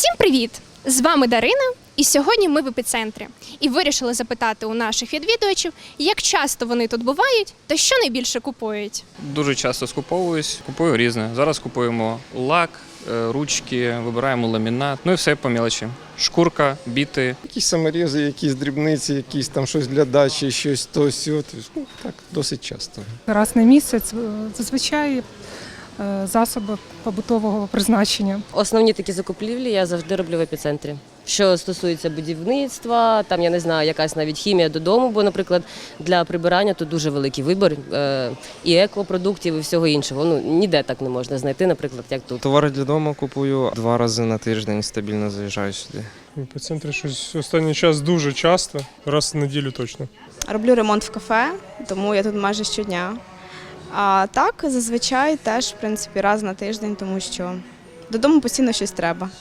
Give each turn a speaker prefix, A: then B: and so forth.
A: Всім привіт! З вами Дарина, і сьогодні ми в епіцентрі. І вирішили запитати у наших відвідувачів, як часто вони тут бувають та що найбільше купують.
B: Дуже часто скуповуюсь, купую різне. Зараз купуємо лак, ручки, вибираємо ламінат, ну і все по мелочі. Шкурка, біти.
C: Якісь саморізи, якісь дрібниці, якісь там щось для дачі, щось то сьо. Ну, так, досить часто.
D: Раз на місяць зазвичай засоби побутового призначення.
E: Основні такі закупівлі я завжди роблю в епіцентрі. Що стосується будівництва, там, я не знаю, якась навіть хімія додому, бо, наприклад, для прибирання тут дуже великий вибір і екопродуктів, і всього іншого. Ну, ніде так не можна знайти, наприклад, як тут.
F: Товари для дому купую 2 рази на тиждень, стабільно заїжджаю сюди.
G: В епіцентрі щось останній час дуже часто, раз в неділю точно.
H: Роблю ремонт в кафе, тому я тут майже щодня. А так, зазвичай теж, в принципі, раз на тиждень, тому що додому постійно щось треба.